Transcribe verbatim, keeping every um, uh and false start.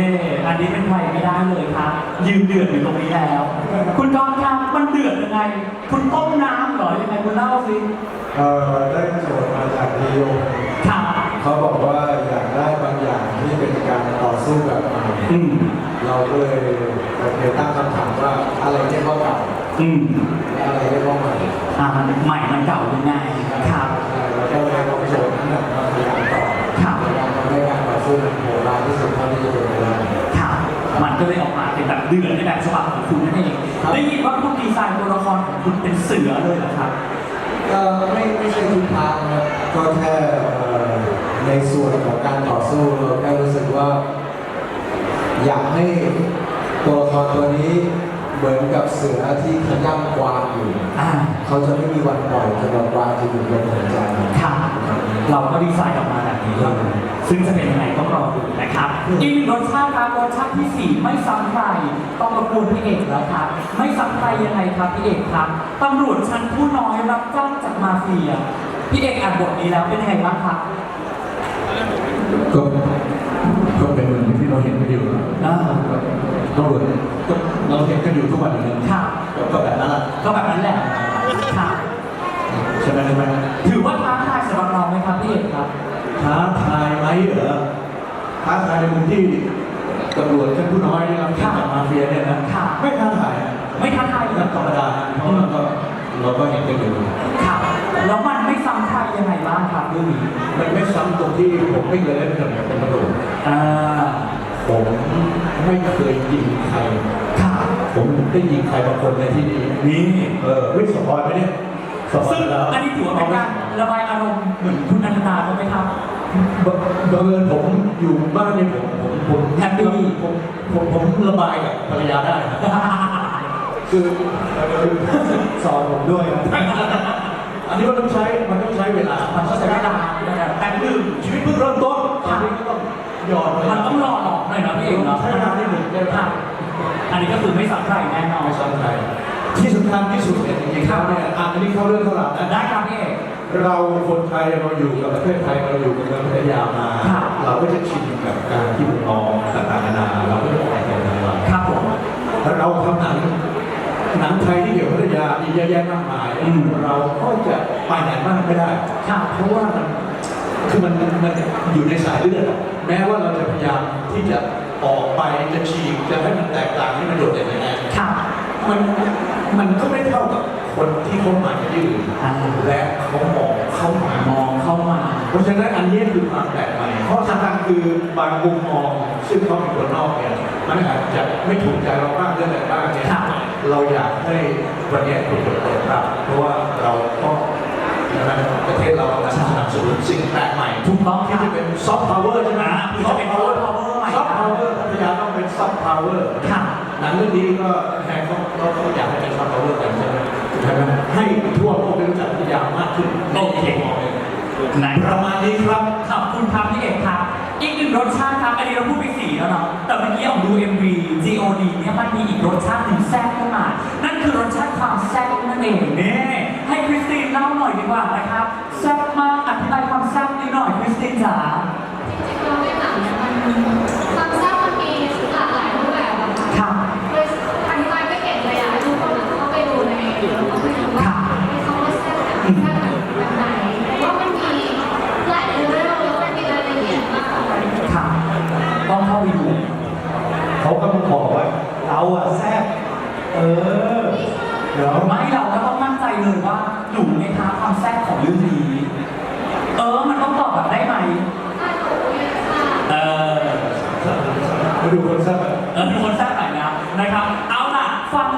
อันนี้เป็นใครไม่ได้เลยครับยืนเดือดอยู่ตรงนี้แล้ว คุณจอมครับมันเดือดยังไง คุณต้มน้ำเหรอยังไงคุณเล่าสิเออได้โจทย์มาจากนิยมครับเขาบอกว่าอยากได้บางอย่างที่เป็นการต่อสู้แบบใหม่เราก็เลยโอเคตั้งคำถามว่าอะไรที่เขาเก่าอะไรที่เขาใหม่อ่าใหม่มันเก่ายังไงครับแล้วก็เลยเอาโจทย์นั้นมาพยายามต่อพยายามทำให้การต่อสู้มันโหดร้ายที่สุดเท่าที่จะเป็นไปได้ครับมันก็เลยออกมาเป็นแบบเดือดในแบบฉบับของคุณนั่นเองได้ยินว่าคุณดีไซน์ตัวละครของคุณเป็นเสือเลยเหรอครับก็ไม่ไม่ใช่ทุกทางนะก็แค่ในส่วนของการต่อสู้เราแค่รู้สึกว่า อยากให้ตัวละครตัวนี้เหมือนกับเสือที่ขย้ำกวางอยู่เขาจะไม่มีวันปล่อยจนกวางจะอยู่บนหัวใจค่ะเราก็ดีไซน์ออกมาแบบนี้เลยซึ่งจะเป็นยังไงต้องรอดูนะครับอีกหนึ่งรสชาติครับรสชาติที่สี่ไม่ซ้ำใครต้องรบกวนพี่เอกแล้วครับไม่ซ้ำใครยังไงครับพี่เอกครับตำรวจชั้นผู้น้อยรับจ้างจากมาเฟียพี่เอกอ่านบทนี้แล้วเป็นยังไงบ้างครับก็ก็เป็นเหมือนที่เราเห็นกันอยู่นะตำรวจก็เราเห็นกันอยู่ทุกวันอยู่แล้วก็แบบนั้นแหละก็แบบนั้นแหละครับใช่ไหมใช่ไหมถือว่าท้าทายสำหรับเราไหมครับพี่เอกครับท้าทายไหมเหรอท้าทายในมุมที่ตำรวจชั้นผู้น้อยนะครับจากมาเฟียเนี่ยนะไม่ท้าทายไม่ท้าทายเลยธรรมดาเพราะเราก็เราก็เห็นกันอยู่ครับแล้วมันไม่ซ้ำใครยังไงบ้างครับเรื่องนี้มันไม่ซ้ำตรงที่ผมไม่เคยเล่นกับเป็นตำรวจผมไม่เคยยิงใครผมได้ยิงใครบางคนในที่นี้นี่เออวิสปอยไหมเนี่ยซึ่งอันนี้ถือว่าเป็นการระบายอารมณ์เหมือนคุณอนันตาเขาไหมครับบังเอิญผมอยู่บ้านเนี่ยผมผมผมแฮปปี้ผมผมผมระบายกับภรรยาได้คือสอนผมด้วยอันนี้มันต้องใช้มันต้องใช้เวลามันต้องใช้เวลาแต่หนึ่งชีวิตเพิ่งเริ่มต้นตอนนี้ก็ต้องหยอดมันต้องรอหลอกหน่อยนะพี่เอกเนาะใช้เวลาที่หนึ่งได้ครับอันนี้ก็คือไม่ซ้ำใครแน่นอนไม่ซ้ำใครที่สำคัญที่สุดเนี่ยจริงๆครับเนี่ยอันนี้เข้าเรื่องเข้าราวนะได้ครับพี่เอกเราคนไทยเราอยู่กับประเทศไทยเราอยู่กับเมืองพัทยามาเราก็จะชินกับการที่มองต่างๆนานาเราไม่ต้องอะไรกันเลยครับผมเราทำหนังหนังไทยที่เกี่ยวกับพัทยามีเยอะแยะมากมายเราก็จะไปไหนมากไม่ได้เพราะว่ามันคือมันมันอยู่ในสายเลือดแม้ว่าเราจะพยายามที่จะออกไปจะฉีกจะให้มันแตกต่างให้มันโดดเด่นยังไงมันมันก็ไม่เท่ากับคนที่เขามาที่อื่นและเขามองเข้ามามองเข้ามาเพราะฉะนั้นอันนี้คือความแปลกใหม่เพราะสำคัญคือบางมุมมองซึ่งเขาเป็นคนนอกเนี่ยมันอาจจะไม่ถูกใจเราบ้างเรื่องอะไรบ้างเนี่ยเราอยากให้วันนี้ถูกเปิดรับเพราะว่าเราก็ประเทศเรากำลังสนับสนุนสิ่งแปลกใหม่ถูกต้องที่จะเป็นซอฟต์พาวเวอร์ใช่ไหมซอฟต์พาวเวอร์ใหม่ซอฟต์พาวเวอร์พัทยาต้องเป็นซอฟต์พาวเวอร์หนังเรื่องนี้ก็แทนเขาเขาอยากให้เป็นซอฟต์พาวเวอร์กันใช่ไหมใช่ไหมให้ทั่วโลกได้รู้จักพัทยามากขึ้นโอเคประมาณนี้ครับขอบคุณครับพี่เอกครับอีกหนึ่งรสชาติครับอันนี้เราพูดไปสี่แล้วเนาะแต่เมื่อกี้ออกดู เอ็ม วี จี โอ ดี เนี่ยมันมีอีกรสชาติหนึ่งแซ่บขึ้นมานั่นคือรสชาติความแซ่บนั่นเองนี่ให้คริสตินเล่าหน่อยดีกว่านะครับแซ่บมากอธิบายความแซ่บนิดหน่อยคริสตินจ๋าเราในหนังเนี่ยมันความแซ่บมันมีหลากหลายรูปแบบอะค่ะเลยอธิบายไม่เก่งเลยอะให้ทุกคนเข้าไปดูในแล้วก็ไปดูว่าเขาว่าแซ่บแบบแซ่บแบบไหนว่ามันมีหลายเรื่องแล้วมันมีรายละเอียดมากค่ะต้องเข้าไปดูเขาก็มาบอกว่าเราอะแซ่บเออเดี๋ยวไม่เราก็ต้องมั่นใจเลยว่าหนูในท้าความแซ่บของเรื่องนี้เออมันต้องตอบแบบได้ไหมเออมาดูคนแซ่บเออดูคนแซ่บหน่อยนะนะครับเอาล่ะฟัง